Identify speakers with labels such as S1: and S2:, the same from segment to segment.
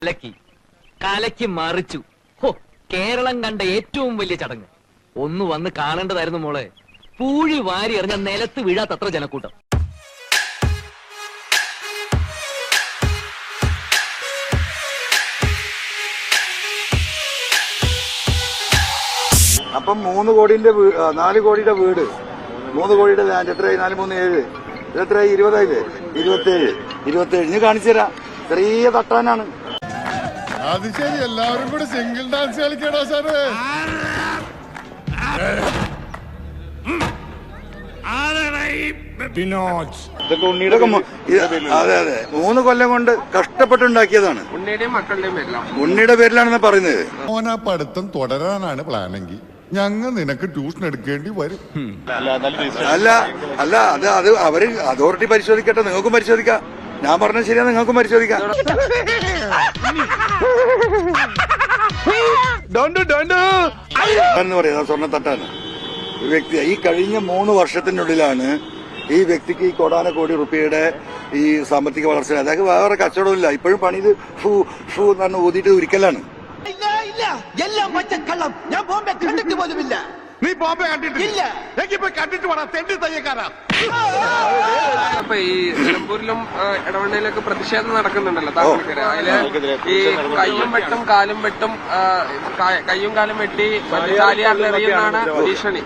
S1: കലക്കി കലക്കി മറിച്ചു. ഹോ, കേരളം കണ്ട ഏറ്റവും വലിയ ചടങ്ങ്. ഒന്ന് വന്ന് കാണേണ്ടതായിരുന്നു മോളെ. പൂഴി വാരി എറിഞ്ഞ നിലത്ത് വീഴാത്തത്ര ജനക്കൂട്ടം.
S2: അപ്പം 4 കോടിയുടെ വീട്, 3 കോടിയുടെ ലാൻഡ് എത്രയായി? 4, 3, 7 ഇതെത്രയായി? 20 ആയില്ലേ? 27 ഇനി കാണിച്ചു തരാം. ചെറിയ തട്ടാനാണ്.
S3: അത് ശരി, എല്ലാവരും കൂടെ സിംഗിൾ ഡാൻസ് കളിക്കണോ സാറ്?
S2: ഇതൊക്കെ ഉണ്ണിയുടെ അതെ 3 കൊല്ലം കൊണ്ട് കഷ്ടപ്പെട്ടുണ്ടാക്കിയതാണ്. ഉണ്ണിയുടെ പേരിലാണെന്ന് പറയുന്നത്.
S3: മോനാ പഠിത്തം തുടരാനാണ് പ്ലാനെങ്കിൽ ഞങ്ങൾ നിനക്ക് ട്യൂഷൻ എടുക്കേണ്ടി വരും.
S2: അല്ല അത് അവര് അതോറിറ്റി പരിശോധിക്കട്ടെ, നിങ്ങൾക്കും പരിശോധിക്കാം. ഞാൻ പറഞ്ഞത് ശരിയാ, നിങ്ങൾക്കും പരിശോധിക്കാം. എന്ന് പറയുന്നത് സ്വർണ്ണത്തട്ടാണ്. ഒരു വ്യക്തി ഈ കഴിഞ്ഞ 3 വർഷത്തിനുള്ളിലാണ് ഈ വ്യക്തിക്ക് ഈ കോടാനക്കോടി റുപ്യയുടെ ഈ സാമ്പത്തിക വളർച്ച. അതായത് വേറെ കച്ചവടമില്ല. ഇപ്പോഴും പണി ഇത് ഷൂ എന്ന് പറഞ്ഞ് ഊതിയിട്ട് ഒരിക്കലാണ്.
S4: എല്ലാം പച്ചക്കള്ളം. ഞാൻ ബോംബെ കണ്ടിട്ട് പോലുമില്ല.
S5: നീ ബോംബെ കണ്ടിട്ടില്ല? കണ്ടിട്ട് വേണം തെണ്ടി തയ്യക്കാരാ.
S6: അപ്പൊ ഈ നിലമ്പൂരിലും ഇടവണ്ണയിലൊക്കെ പ്രതിഷേധം നടക്കുന്നുണ്ടല്ലോ താങ്കൾക്കെതിരെ. അതില് ഈ കയ്യും വെട്ടും കാലും വെട്ടി ചാലിയാറിലെറിയുന്നതാണ് ഭീഷണി.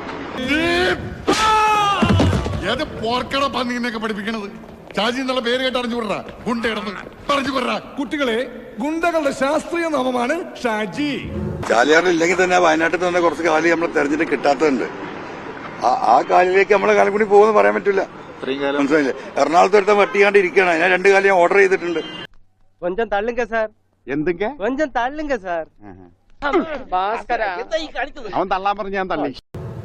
S3: ഏത് പോർക്കട പന്നിനെയൊക്കെ പഠിപ്പിക്കണത്? ഷാജി എന്നുള്ള പേര് കേട്ട് അറിഞ്ഞുകൊടുറാ. ഗുണ്ടയിടന്ന് പറഞ്ഞുകൊടുറാ. കുട്ടികളെ, ഗുണ്ടകളുടെ ശാസ്ത്രീയ നാമമാണ് ഷാജി.
S2: ചാലിയാറിൽ ഇല്ലെങ്കിൽ തന്നെ വയനാട്ടിൽ തന്നെ കുറച്ച് കാലി നമ്മൾ തെരഞ്ഞിട്ട് കിട്ടാത്തതുണ്ട്. ആ കാലിലേക്ക് നമ്മളെ കാലം കൂടി പോകുമെന്ന് പറയാൻ പറ്റില്ല. മനസ്സിലായില്ലേ? എറണാകുളത്ത് എടുത്താൽ വട്ടിയാണ്ട് ഇരിക്കുകയാണ്. അതിനെ 2 കാലം ഞാൻ ഓർഡർ ചെയ്തിട്ടുണ്ട്.
S7: കൊഞ്ചം തള്ളുങ്ക സാർ.
S5: എന്തൊക്കെ
S7: കൊഞ്ചം തള്ളുങ്ക സാർ.
S5: അവൻ തള്ളാൻ പറഞ്ഞ് ഞാൻ തള്ളി.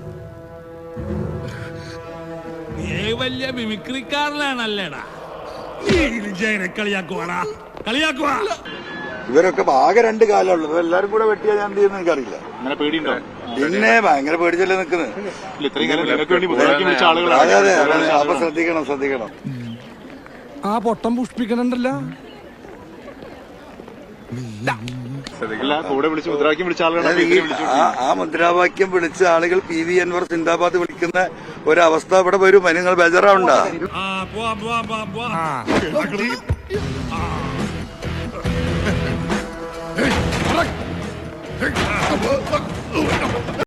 S8: വലിയ മിമിക്രിക്കാരനാണല്ലേടാ. കളിയാക്കുവാ.
S2: ഇവരൊക്കെ ആകെ 2 കാലമുള്ളൂ. എല്ലാരും കൂടെ വെട്ടിയാൽ ഞാൻ എന്ത് ചെയ്യുന്ന എനിക്കറിയില്ല. പിന്നെ ഭയങ്കര പേടിച്ചല്ലേ നിൽക്കുന്നത്. അതെ അപ്പൊ ശ്രദ്ധിക്കണം.
S3: ആ പൊട്ടം പുഷ്പിക്കണുണ്ടല്ലോ.
S2: ആ മുദ്രാവാക്യം വിളിച്ച ആളുകൾ PV അൻവർ സിന്ദാബാദ് വിളിക്കുന്ന ഒരവസ്ഥ ഇവിടെ വരും. അതിന് നിങ്ങൾ ബേജാറാവണ്ട.